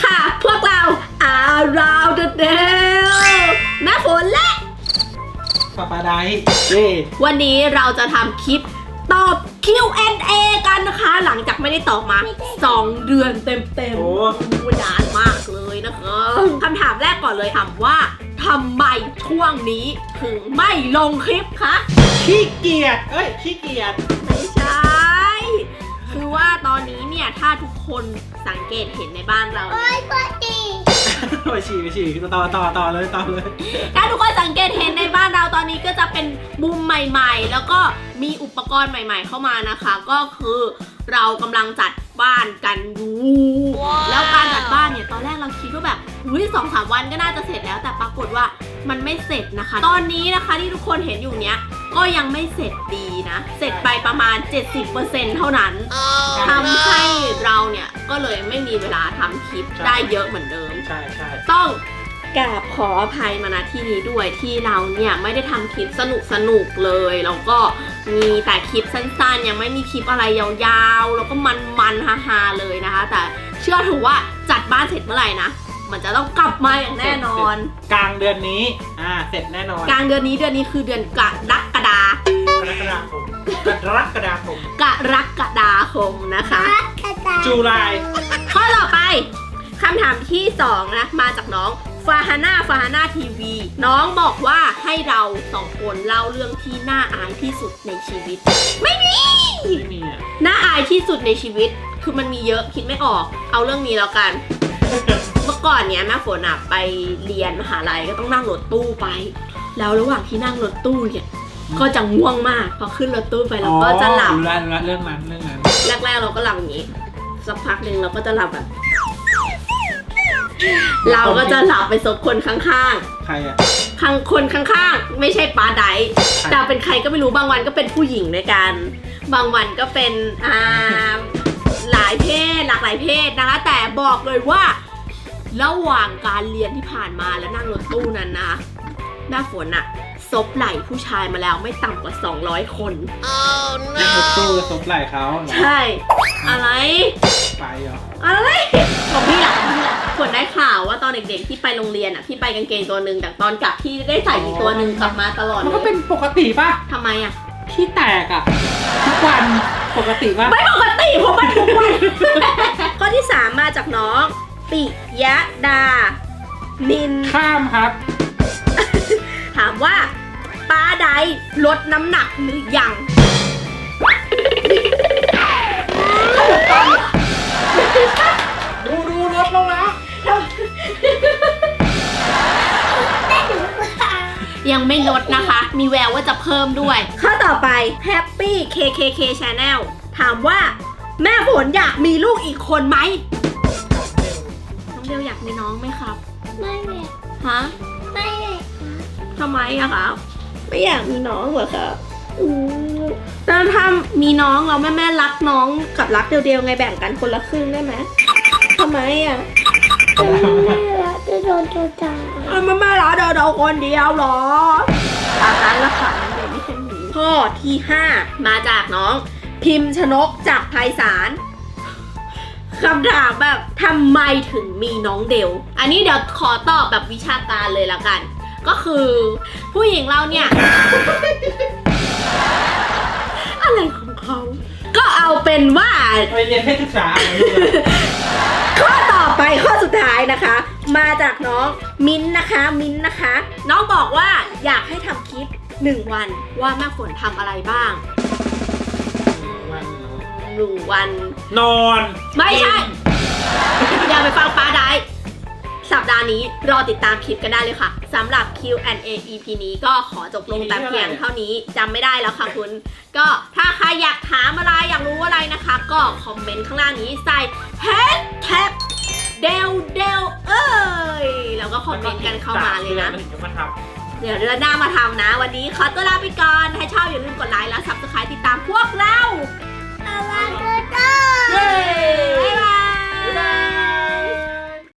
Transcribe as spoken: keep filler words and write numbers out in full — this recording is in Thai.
ค่ะ พวกเราอาราวเดเดลแม่ฝนและปาปาไดเย่วันนี้เราจะทำคลิปตอบ คิว แอนด์ เอ กันนะคะ หลังจากไม่ได้ตอบมาสองเดือนเต็มๆโอ้นานมากเลยนะคะคำถามแรกก่อนเลยถามว่าทำไมช่วงนี้ถึงไม่ลงคลิปคะขี้เกียจเอ้ยขี้เกียจไม่ใช่คือว่าตอนนี้เนี่ยถ้าทุกคนสังเกตเห็นในบ้านเราเนี่ยไปฉี่ไปฉี่ต่อต่อต่อเลยต่อเลยถ้าทุกคนสังเกตเห็นในบ้านเราตอนนี้ก็จะเป็นมุมใหม่ๆแล้วก็มีอุปกรณ์ใหม่ๆเข้ามานะคะก็คือเรากำลังจัดบ้านกันอยู่ wow. แล้วการจัดบ้านเนี่ยตอนแรกเราคิดว่าแบบอุ้ยสองสามวันก็น่าจะเสร็จแล้วแต่ปรากฏว่ามันไม่เสร็จนะคะตอนนี้นะคะที่ทุกคนเห็นอยู่เนี้ยก็ยังไม่เสร็จดีนะเสร็จไปประมาณ เจ็ดสิบเปอร์เซ็นต์ เท่านั้น oh, ทำให้เราเนี่ยก็เลยไม่มีเวลาทำคลิปได้เยอะเหมือนเดิมใช่ใช่ต้องกราบขออภัยมาณที่นี้ด้วยที่เราเนี่ยไม่ได้ทำคลิปสนุกสนุกเลยแล้วก็มีแต่คลิปสั้นๆยังไม่มีคลิปอะไรยาวๆแล้วก็มันๆฮาๆเลยนะคะแต่เชื่อถือว่าจัดบ้านเสร็จเมื่อไหร่นะมันจะต้องกลับมาอย่างแน่นอนกลางเดือนนี้อ่าเสร็จแน่นอนกลางเดือนนี้เดือนนี้คือเดือนกรกฎากรกฎาคมกรกฎาคมกรกฎาคมนะคะจุลายข้อต่อไปคำถามที่สองนะมาจากน้องฟาฮาน่าฟาฮาน่าทีวีน้องบอกว่าให้เราสองคนเล่าเรื่องที่น่าอายที่สุดในชีวิตไม่มีไม่มีอ่ะน่าอายที่สุดในชีวิตคือมันมีเยอะคิดไม่ออกเอาเรื่องนี้แล้วกัน เมื่อก่อนเนี้ยแม่ฝนอะไปเรียนมหาลัยก็ต้องนั่งรถตู้ไปแล้วระหว่างที่นั่งรถตู้เนี่ยก็จะง่วงมากพอขึ้นรถตู้ไปเราก็จะหลับรู้แล้วรู้แล้วเรื่องนั้นเรื่องนั้นแรกๆเราก็หลับอย่างนี้สักพักหนึ่งเราก็จะหลับแบบเราก็จะหลับไปซบคนข้างๆใครอะข้างคนข้างๆไม่ใช่ปาไดแต่เป็นใครก็ไม่รู้บางวันก็เป็นผู้หญิงด้วยกันบางวันก็เป็นอ่าหลายเพศหลากหลายเพศนะคะแต่บอกเลยว่าระหว่างการเรียนที่ผ่านมาแล้วนั่งรถตู้นั้นนะแม่ฝนอะซบไหล่ผู้ชายมาแล้วไม่ต่ำกว่าสองร้อยคน oh, no. นั่งรถตู้ซบไหล่เขาใช่อะไรไปเหรออะไรของพี่หลังฝนได้ข่าวว่าตอนเด็กๆที่ไปโรงเรียนอะพี่ไปกางเกงตัวหนึ่งแต่ตอนกลับพี่ได้ใส่อีกตัวหนึ่งกลับมาตลอดมันก็เป็นปกติป่ะทำไมอะพี่แตกอะทุกวันปกติป่ะไม่ปกติเพราะมันทุกวัน ข้อที่สามมาจากน้องปิยะดานินข้ามครับถามว่าป้าใดลดน้ำหนักหรือยังดูดูลดลงแล้วยังไม่ลดนะคะมีแววว่าจะเพิ่มด้วยข้อต่อไป Happy เค เค เค Channel ถามว่าแม่ฝนอยากมีลูกอีกคนไหมน้องเดลอยากมีน้องไหมครับไม่เลยฮะไม่เลยทำไมอะครับไม่อยากมีน้องเหรอครับแล้วถ้ามีน้องเราแม่แม่รักน้องกับรักเดียวๆไงแบ่งกันคนละครึ่งได้ไหมทำไมอะแม่รักจะโดนตัวจังแม่แม่รักเดียวๆคนเดียวหรอตามนั้นละค่ะเดี๋ยวไม่ใช่หนูข้อที่ห้ามาจากน้องพิมพ์ชนกจากไพศาลคำถามแบบทำไมถึงมีน้องเดลอันนี้เดี๋ยวขอตอบแบบวิชาการเลยละกันก็คือผู้หญิงเราเนี่ย อะไรของเขาก็เอาเป็นว่าไปเรียนเพศศึกษาข้อต่อไปข้อสุดท้ายนะคะมาจากน้องมิ้นนะคะมิ้นนะคะน้องบอกว่าอยากให้ทำคลิปหนึ่งวันว่าแม่ฝนทำอะไรบ้างหนึ่งวันนอนไม่ใช่อย่าไปฟังป้าได้สัปดาห์นี้รอติดตามคลิปกันได้เลยค่ะสำหรับ คิว แอนด์ เอ อี พี นี้ก็ขอจบลงแต่เพียงเท่านี้จำไม่ได้แล้วค่ะคุณก็ถ้าใครอยากถามอะไรอยากรู้อะไรนะคะก็คอมเมนต์ข้างล่างนี้ใส่แฮชแท็กเดลเดลเอ้ยแล้วก็คอมเมนต์กันเข้ามาเลยนะเดี๋ยวเดือนหน้ามาทำนะวันนี้ขอตัวลาไปก่อนถ้าชอบอย่าลืมกดไลค์แล้ว ซับสไครบ์ ติดตามพวกเราอาวาโดโต้บ๊ายบาย